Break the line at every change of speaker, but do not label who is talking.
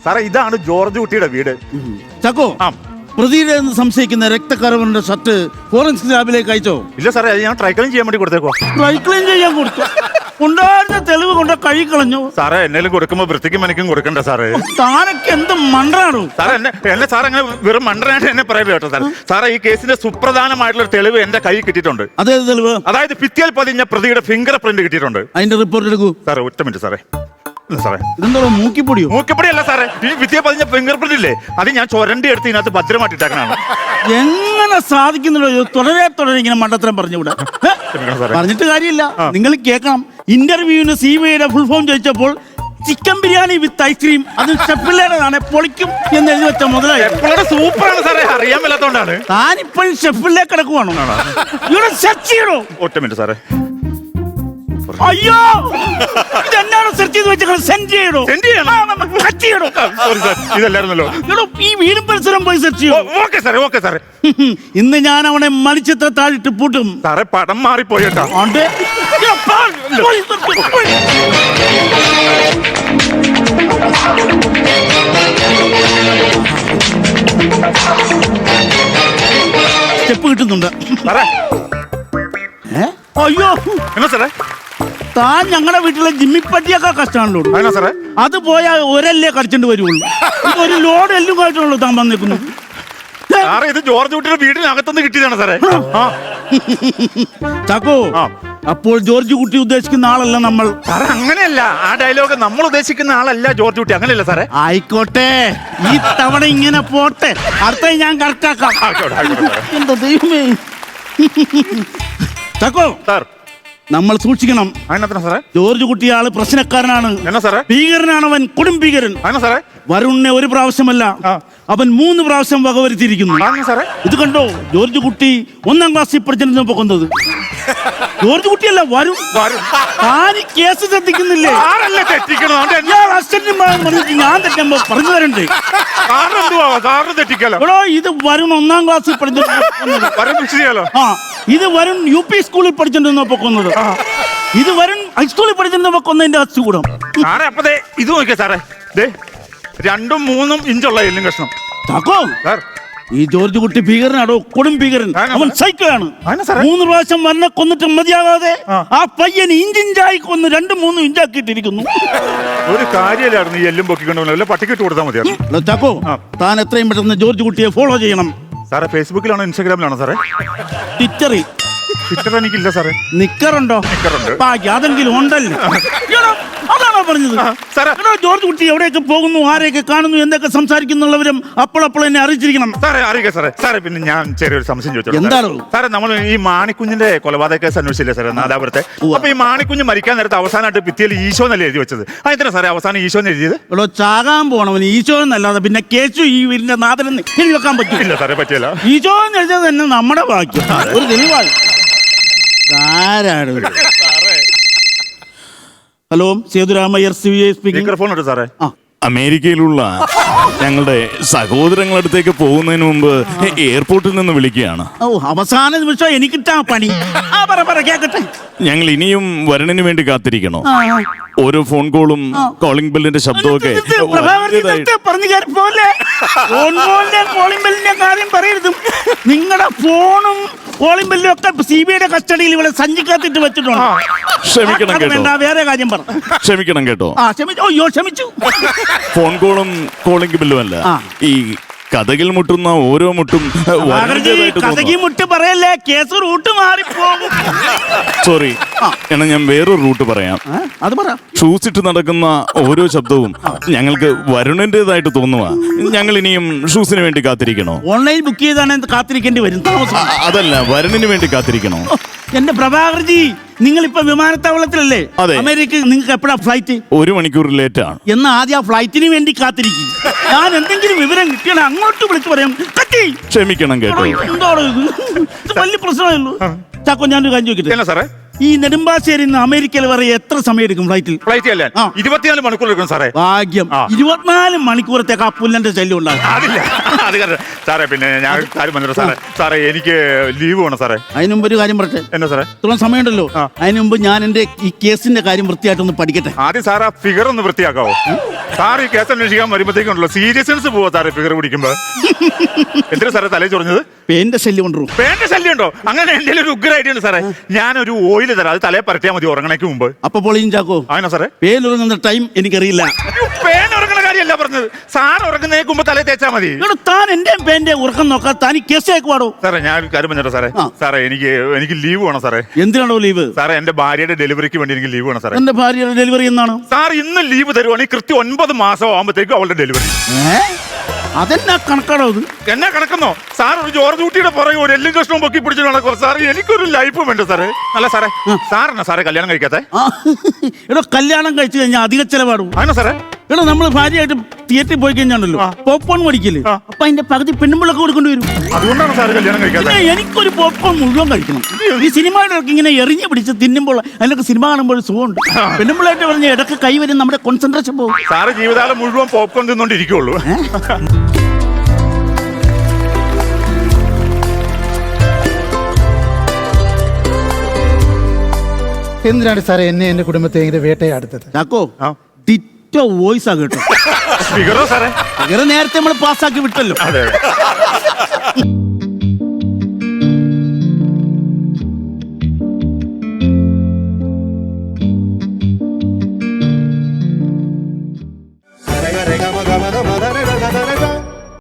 സാറേ ഇതാണ് ജോർജ് കുട്ടിയുടെ വീട്.
ചക്കോ, പ്രതിയുടെ സംശയിക്കുന്ന രക്തക്കറവന്റെ ഷർട്ട് ഫോറൻസിക് ലാബിലേക്ക് അയച്ചോ?
ഇല്ല സാറേ, അത് ഞാൻ ട്രൈക്ലീൻ ചെയ്യാൻ വേണ്ടി കൊടുത്തേക്കോ.
ട്രൈക്ലീൻ ചെയ്യാൻ കൊടുത്തു? ഉണ്ടായിരുന്ന തെളിവ് കൊണ്ട് കഴുകിക്കളഞ്ഞു.
സാറേ എന്നേലും കൊടുക്കുമ്പോ വൃത്തിക്കും എനിക്കും കൊടുക്കണ്ട സാറേ.
താനൊക്കെ എന്ത് മണ്ടനാണോ
സാറേ? എന്നെ സാർ അങ്ങനെ വെറും മണ്ടനായിട്ട് എന്നെ പറയരുത് കേട്ടോ സാറേ. സാറേ ഈ കേസിന്റെ സുപ്രധാനമായിട്ടുള്ള തെളിവ് എന്റെ കയ്യിൽ കിട്ടിയിട്ടുണ്ട്.
അതേത് തെളിവ്?
അതായത് ഭിത്തിയിൽ പതിഞ്ഞ പ്രതിയുടെ ഫിംഗർ പ്രിന്റ് കിട്ടിയിട്ടുണ്ട്.
അതിന്റെ റിപ്പോർട്ട് എടുക്കൂ
സാറേ. ഒറ്റ മിനിറ്റ് സാറേ. സാറേ
ഇതെന്തോ മൂക്കിപ്പൊടിയോ?
മൂക്കിപ്പൊടിയല്ല സാറേ, ഈ ഭിത്തിയെ പതിഞ്ഞ ഫിംഗർ പ്രിന്റ് ഇല്ലേ, അത് ഞാൻ ചൊരണ്ടി എടുത്ത് ഇതിനകത്ത് ഭദ്രമായിട്ടിട്ടേക്കണാണ്.
എങ്ങനെ സാധിക്കുന്നുണ്ടോ തുടരെ ഇങ്ങനെ മണ്ടത്തരം പറഞ്ഞുകൂടാ? പറഞ്ഞിട്ട് കാര്യമില്ല, നിങ്ങൾ കേൾക്കണം. ഇന്റർവ്യൂവിന് CBIയുടെ ഫുൾ ഫോം ചോദിച്ചപ്പോൾ ചിക്കൻ ബിരിയാണി വിത്ത് ഐസ്ക്രീം, അത് ഷെഫിലേതാണ്, പൊളിക്കും എന്ന് എഴുതി വെച്ച മുതലായി.
സൂപ്പറാണ് സാറേ, അറിയാൻ മേലാത്തോണ്ടാണ്.
താനിപ്പോഴും ഷെഫിലേക്ക് കിടക്കുവാണോ? ഇവിടെ സെർച്ച് ചെയ്യണോ?
ഒറ്റ മിനിറ്റ് സാറേ.
അയ്യോ, ഇതെന്നാണ് സെർച്ച് ചെയ്ത് വെച്ചാൽ സെൻഡ് ചെയ്യണോ?
ഇതല്ലായിരുന്നല്ലോ.
ഈ വീടും പരിസരം പോയി സെർച്ച് ചെയ്യണോ?
ഓക്കെ സാറേ, ഓക്കെ സാറേ.
ഇന്ന് ഞാൻ അവനെ മലിച്ചത്ര താഴിട്ട് പൂട്ടും.
സാറേ പടം മാറിപ്പോയിട്ടാ.
സ്റ്റെപ്പ് കിട്ടുന്നുണ്ട്. അയ്യോ
എന്നാ സാറേ?
താൻ ഞങ്ങളുടെ വീട്ടിലെ ജിമ്മിപ്പറ്റിയൊക്കെ കഷ്ടമാണല്ലോ
സാറേ.
അത് പോയാൽ ഒരല്ലേ കടിച്ചോണ്ട് വരുള്ളൂ. ഒരു ലോഡ് എല്ലും കായിട്ടുള്ളൂ താൻ വന്നേക്കുന്നു.
സാറേ ഇത് ജോർജ് കുട്ടിയുടെ വീടിനകത്തുനിന്ന് കിട്ടിയതാണ് സാറേ.
ചാക്കോ, അപ്പോൾ ജോർജ് കുട്ടി ഉദ്ദേശിക്കുന്ന ആളല്ല നമ്മൾ.
സാറേ അങ്ങനെയല്ല, ആ ഡയലോഗ് നമ്മൾ ഉദ്ദേശിക്കുന്ന ആളല്ല ജോർജ് കുട്ടി. അങ്ങനെയല്ല സാറേ.
ആയിക്കോട്ടെ, ഈ തവണ ഇങ്ങനെ പോട്ടെ, അടുത്ത ഞാൻ കറക്റ്റാക്കാം. എന്താ ദൈവമേ. ചാക്കോ
സാർ,
നമ്മൾ സൂക്ഷിക്കണം.
സാറേ
ജോർജ് കുട്ടി ആള് പ്രശ്നക്കാരനാണ്.
എന്നാ സാറേ?
ഭീകരനാണ് അവൻ, കൊടും ഭീകരൻ.
സാറേ
വരുണിനെ ഒരു പ്രാവശ്യമല്ല, അവൻ 3 പ്രാവശ്യം വകവരുത്തിയിരിക്കുന്നു. ഇത് കണ്ടോ? ജോർജ് കുട്ടി 1ാം ക്ലാസ്സിൽ പഠിച്ചിരുന്നപ്പോ കൊന്നത് ജോർജ് കുട്ടിയല്ല, വരും. കേസ് ശ്രദ്ധിക്കുന്നില്ലേ? ഞാൻ തെറ്റുമ്പോ പറഞ്ഞു തരണ്ടേ? ഇത് വരുൺ 1ാം ക്ലാസ്സിൽ പഠിച്ചിരുന്നോ? ഇത് വരുൺ UP സ്കൂളിൽ പഠിച്ചിരുന്നപ്പോ കൊന്നത്. ഇത് വരുൺ ഹൈസ്കൂളിൽ പഠിച്ചിരുന്നപ്പോ കൊന്നതിന്റെ അസുഖം.
ഇത് നോക്കിയാ സാറേ, 2ഉം 3ഉം ഇഞ്ചുള്ള എല്ലും കഷ്ണം.
ഈ ജോർജ് കുട്ടി ഭീകരനാടോ, കൊടും ഭീകരൻ. അവൻ സൈക്കോയാണ്. 3 പ്രാവശ്യം വന്നെ കൊന്നിട്ട് മതിയാകാതെ ആ പയ്യൻ ഇഞ്ചിഞ്ചായി കൊന്ന് 2-3 ഇഞ്ചാക്കിയിട്ടിരിക്കുന്നു.
ഒരു കാര്യമില്ലായിരുന്നു ഈ എല്ലും പൊക്കിക്കൊണ്ടു, പട്ടിക്കിട്ട് കൊടുത്താൽ മതിയായിരുന്നു.
ചാക്കോ, താൻ എത്രയും പെട്ടെന്ന് ജോർജ് കുട്ടിയെ ഫോളോ ചെയ്യണം.
സാറേ ഫേസ്ബുക്കിലാണോ ഇൻസ്റ്റാഗ്രാമിലാണോ സാറേ?
ട്വിറ്ററിൽ.
ട്വിറ്റർ എനിക്കില്ല സാറേ.
നിക്കറുണ്ടോ? അതെങ്കിലും ഉണ്ടല്ലോ. അതാണോ പറഞ്ഞത്? ജോർജ് കുട്ടി എവിടെയൊക്കെ പോകുന്നു, ആരെയൊക്കെ കാണുന്നു, എന്തൊക്കെ സംസാരിക്കുന്നുള്ളവരും അപ്പോൾ എന്നെ അറിയിച്ചിരിക്കണം.
സാറേ അറിയിക്കാം സാറേ. സാറേ പിന്നെ ഞാൻ ചെറിയൊരു സംശയം ചോദിച്ചു.
എന്താണ്
സാറേ? നമ്മൾ ഈ മാണിക്കുഞ്ഞിന്റെ കൊലപാതക കേസ് അന്വേഷിച്ചില്ലേ സാറേ, നാദാപുരത്തെ? അപ്പൊ ഈ മാണിക്കുഞ്ഞ് മരിക്കാൻ നേരത്തെ അവസാനമായിട്ട് ഭിത്തിയിൽ ഈശോ എന്നല്ലേ എഴുതി വെച്ചത്? അതെന്താ സാറേ അവസാനം ഈശോ എന്ന് എഴുതിയത്?
ഇവിടെ ചാകാൻ പോണവന് ഈശോ എന്നല്ലാതെ പിന്നെ കേശു ഈ വീടിന്റെ നാഥനെന്ന് എഴുതി വെക്കാൻ പറ്റില്ല
സാറേ. പറ്റില്ല.
ഈശോ എന്ന് എഴുതിയത് തന്നെ നമ്മുടെ ഭാഗ്യം. ഒരു തെളിവാണ്. ആരാണ്? Hello, Sethuramaiyer CBI speaking.
Phone ഉണ്ട് സാറേ.
അമേരിക്കയിലുള്ള ഞങ്ങളുടെ സഹോദരങ്ങളടുത്തേക്ക് പോകുന്നതിന് മുമ്പ് എയർപോർട്ടിൽ നിന്ന് വിളിക്കുകയാണ്.
അവസാന നിമിഷം എനിക്കിട്ടാ പണി. കേക്കട്ടെ.
ഞങ്ങൾ ഇനിയും വരണിന് വേണ്ടി കാത്തിരിക്കണോ? ഓരോ ഫോൺ കോളും കോളിംഗ് ബെല്ലിന്റെ ശബ്ദമൊക്കെ
നിങ്ങളുടെ ഫോണും കോളിംഗ് ബെല്ലും ഒക്കെ CBIയുടെ കസ്റ്റഡിയിൽ ഇവിടെ സഞ്ചിക്കാത്തിട്ട് വെച്ചിട്ടുണ്ട്.
ക്ഷമിക്കണം കേട്ടോ.
വേറെ കാര്യം പറ.
ക്ഷമിക്കണം കേട്ടോ.
അയ്യോ ക്ഷമിച്ചു.
ഫോൺ കോളും കോളിംഗ് ബെല്ലും അല്ല, ഈ കഥകിൽ മുട്ടുന്ന ഓരോ മുട്ടും
മുട്ട് പറയല്ലേ, കേസ് റൂട്ട് മാറിപ്പോകും.
സോറി, എന്നാ ഞാൻ വേറൊരു റൂട്ട് പറയാം.
അത് പറ.
ഷൂസ് ഇട്ട് നടക്കുന്ന ഓരോ ശബ്ദവും ഞങ്ങൾക്ക് വരുണിന്റേതായിട്ട് തോന്നുക. ഞങ്ങൾ ഇനിയും ഷൂസിന് വേണ്ടി കാത്തിരിക്കണോ?
ഓൺലൈൻ ബുക്ക് ചെയ്താണ് കാത്തിരിക്കേണ്ടി വരും.
അതല്ല, വരുണിന് വേണ്ടി കാത്തിരിക്കണോ?
എന്റെ പ്രഭാകർജി, നിങ്ങളിപ്പോ വിമാനത്താവളത്തിലല്ലേ? അമേരിക്ക. നിങ്ങൾക്ക് എപ്പോഴാ ഫ്ലൈറ്റ്?
1 മണിക്കൂർ ലേറ്റ് ആണ്.
എന്നാ ആദ്യം ആ ഫ്ലൈറ്റിന് വേണ്ടി കാത്തിരിക്കും. ഞാൻ എന്തെങ്കിലും വിവരം കിട്ടിയാൽ അങ്ങോട്ട് വിളിച്ചു പറയാം.
ക്ഷമിക്കണം കേട്ടോ.
എന്തോടോ ഇത്? വലിയ പ്രശ്നമായുള്ളൂ. ചാക്കോ, ഞാനൊരു കാര്യം ചോദിക്കട്ടെ?
സാറേ
ഈ നെടുമ്പാശ്ശേരി നിന്ന് അമേരിക്കയിൽ വരെ എത്ര സമയം എടുക്കും ഫ്ലൈറ്റിൽ?
ഫ്ലൈറ്റ് അല്ലേ 24 മണിക്കൂർ എടുക്കും സാറേ.
ഭാഗ്യം. 24 മണിക്കൂറത്തേക്ക് ആ പുല്ലന്റെ ശല്യം ഉണ്ടാകും.
അതില്ല അത് കാരണം സാറേ. പിന്നെ ഞാൻ കാര്യം പറഞ്ഞു സാറേ. സാറേ എനിക്ക് ലീവ് വേണം സാറേ.
അതിന് മുമ്പ് ഒരു കാര്യം പറട്ടെ.
എന്നാ സാറേ?
ഇത്രയും സമയമുണ്ടല്ലോ. അതിന് മുമ്പ് ഞാൻ എന്റെ ഈ കേസിന്റെ കാര്യം വൃത്തിയായിട്ടൊന്ന് പഠിക്കട്ടെ.
ആദ്യം സാർ ആ ഫിഗർ ഒന്ന് വൃത്തിയാക്കാവോ? സാർ ഈ കേസ് അന്വേഷിക്കാൻ വരുമ്പോഴത്തേക്കുണ്ടല്ലോ സീരിയസ്നെസ് പോവാ സാറേ ഫിഗർ പിടിക്കുമ്പോ. എന്തിനാ സാറേ തലേ ചൊറിഞ്ഞത്?
പേന്റെ ശല്യം കൊണ്ടു.
പേന്റെ ശല്യം ഉണ്ടോ? അങ്ങനെ എന്റെ ഒരു ഉഗ്രമായിട്ടുണ്ട് സാറേ. ഞാനൊരു ഓയിൽ തരാം, അത് തലേ പരട്ടിയാൽ മതി ഉറങ്ങണേക്ക് മുമ്പ്.
അപ്പൊ പൊളിയും ചാക്കോ.
അങ്ങനെ സാറേ
പേലുറങ്ങുന്ന ടൈം എനിക്കറിയില്ല.
പേൻ ഉറങ്ങണ കാര്യമല്ല പറഞ്ഞത്. സാർ ഉറങ്ങുന്നതിന് മുമ്പ് തലേ തേച്ചാ മതി.
താൻ എന്റെ പേന്റെ ഉറക്കം നോക്കാൻ താൻ ഈ കേസ് ആക്കുവാടോ?
സാറേ ഞാൻ ഒരു കാര്യം പറഞ്ഞോ സാറേ. സാറേ എനിക്ക് ലീവ് വേണം സാറേ.
എന്തിനാണോ ലീവ്?
സാറേ എന്റെ ഭാര്യയുടെ ഡെലിവറിക്ക് വേണ്ടി എനിക്ക് ലീവ് വേണം സാറേ.
എന്റെ ഭാര്യയുടെ ഡെലിവറി എന്നാണ്?
സാർ ഇന്ന് ലീവ് തരുവാണെങ്കിൽ കൃത്യം 9 മാസം ആകുമ്പോഴത്തേക്കും അവളുടെ ഡെലിവറി.
അതെന്നാ കണക്കാണോ അത്?
എന്നാ കണക്കുന്നോ? സാർ ഒരു ജോർജ് കുട്ടിയുടെ പുറകെ ഒരു എല്ലും കഷ്ണവും പൊക്കി പിടിച്ചു നടക്കും സാർ. എനിക്കൊരു ലൈഫ് വേണ്ട സാറേ. അല്ല സാറേ, സാറിനാ സാറേ കല്യാണം കഴിക്കാത്തെ?
എടോ കല്യാണം കഴിച്ചു കഴിഞ്ഞാൽ അധിക ചെലവാടും.
അങ്ങനെ സാറേ.
എടോ നമ്മൾ ഭാര്യയായിട്ട് തിയേറ്ററിൽ പോയി കഴിഞ്ഞാണല്ലോ പോപ്കോൺ മേടിക്കില്ലേ, അപ്പൊ അതിന്റെ പകുതി പെണ്ണുമ്പിളൊക്കെ കൊടുക്കേണ്ടി വരും.
അതുകൊണ്ടാണ് സാർ കല്യാണം കഴിക്കാതെ.
എനിക്കൊരു പോപ്കോൺ മുഴുവൻ കഴിക്കണം. ഈ സിനിമയുടെ ഇങ്ങനെ എറിഞ്ഞു പിടിച്ച് തിന്നുമ്പോൾ അതിനൊക്കെ സിനിമ കാണുമ്പോൾ സുഖമുണ്ട്. പെണ്ണുമ്പിളായിട്ട് പറഞ്ഞ ഇടയ്ക്ക് കൈ വരും, നമ്മുടെ കോൺസെൻട്രേഷൻ പോകും.
സാറ് ജീവിതകാലം മുഴുവൻ പോപ്കോൺ തിന്നോണ്ടിരിക്കുള്ളൂ.
എന്തിനാണ് സാറേ എന്നെ എന്റെ കുടുംബത്തെ ഇങ്ങനെ വേട്ടയാടുത്തത്?
ചാക്കോ ഡിറ്റോ വോയിസ് ആ കേട്ടോ.
ഫിഗറോ സാറേ?
നേരത്തെ നമ്മൾ പാസ്സാക്കി വിട്ടല്ലോ.
അതെ.